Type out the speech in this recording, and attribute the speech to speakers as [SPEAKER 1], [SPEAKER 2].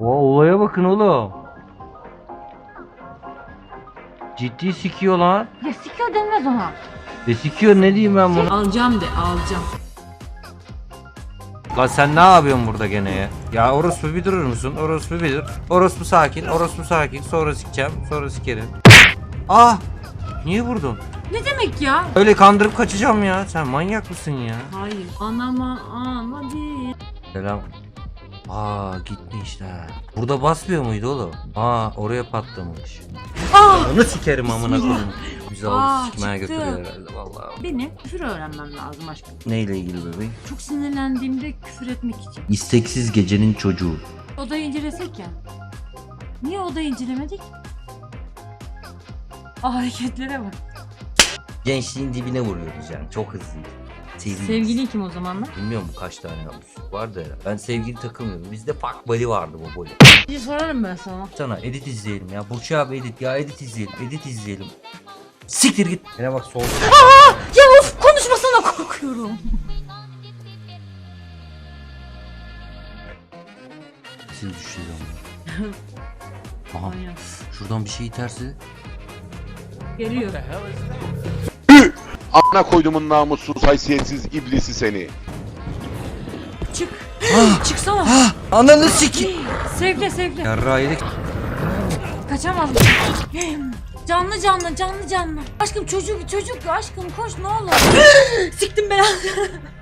[SPEAKER 1] Olaya bakın oğlum. Ciddi sikiyor lan.
[SPEAKER 2] Ya sikiyor denmez ona.
[SPEAKER 1] Sikiyor ne diyeyim ben bunu?
[SPEAKER 2] Alacağım de alacağım.
[SPEAKER 1] Lan sen ne yapıyorsun burada gene ya? Ya orospu bir durur musun? Orospu bir dur. Orospu sakin, orospu sakin. Sonra sikeceğim, sonra sikerim. Ah! Niye vurdun?
[SPEAKER 2] Ne demek ya?
[SPEAKER 1] Öyle kandırıp kaçacağım ya. Sen manyak mısın ya?
[SPEAKER 2] Hayır. Anama ama değil.
[SPEAKER 1] Selam. Aa gitmişler. Burada basmıyor muydu oğlum? Aa oraya patlamış. Onu sikerim amına koyayım. Bizi aldı sikmeye
[SPEAKER 2] çıktı.
[SPEAKER 1] götürüyor herhalde vallahi.
[SPEAKER 2] Benim küfür öğrenmem lazım aşkım.
[SPEAKER 1] Neyle ilgili bebeğim?
[SPEAKER 2] Çok sinirlendiğimde küfür etmek için.
[SPEAKER 1] İsteksiz gecenin çocuğu.
[SPEAKER 2] Odayı incelesek ya. Niye odayı incelemedik? Hareketlere bak.
[SPEAKER 1] Gençliğin dibine vuruyoruz yani. Çok hızlıydı.
[SPEAKER 2] Sevgilin kim o zamanlar?
[SPEAKER 1] Bilmiyorum kaç tane musluk vardı herhalde. Ben sevgili takılmıyordum. Bizde fuck buddy vardı bu böyle.
[SPEAKER 2] Bir sorarım ben sana.
[SPEAKER 1] Sana edit izleyelim ya. Burçu abi edit ya, edit izleyelim. Edit izleyelim. Siktir git. Yine bak sol.
[SPEAKER 2] Ya of, konuşmasana, korkuyorum.
[SPEAKER 1] Siz düşüyor ama. Aha. Şuradan bir şey iterse.
[SPEAKER 2] Geliyor.
[SPEAKER 3] Amına koydumun namussuz haysiyetsiz iblisi seni.
[SPEAKER 2] Çık. Çıksana.
[SPEAKER 1] Ananı siki.
[SPEAKER 2] Sevle sevle.
[SPEAKER 1] Yarrağı yedik.
[SPEAKER 2] Kaçamaz. Canlı canlı canlı canlı. Aşkım çocuk aşkım koş ne olur. Siktim belanı.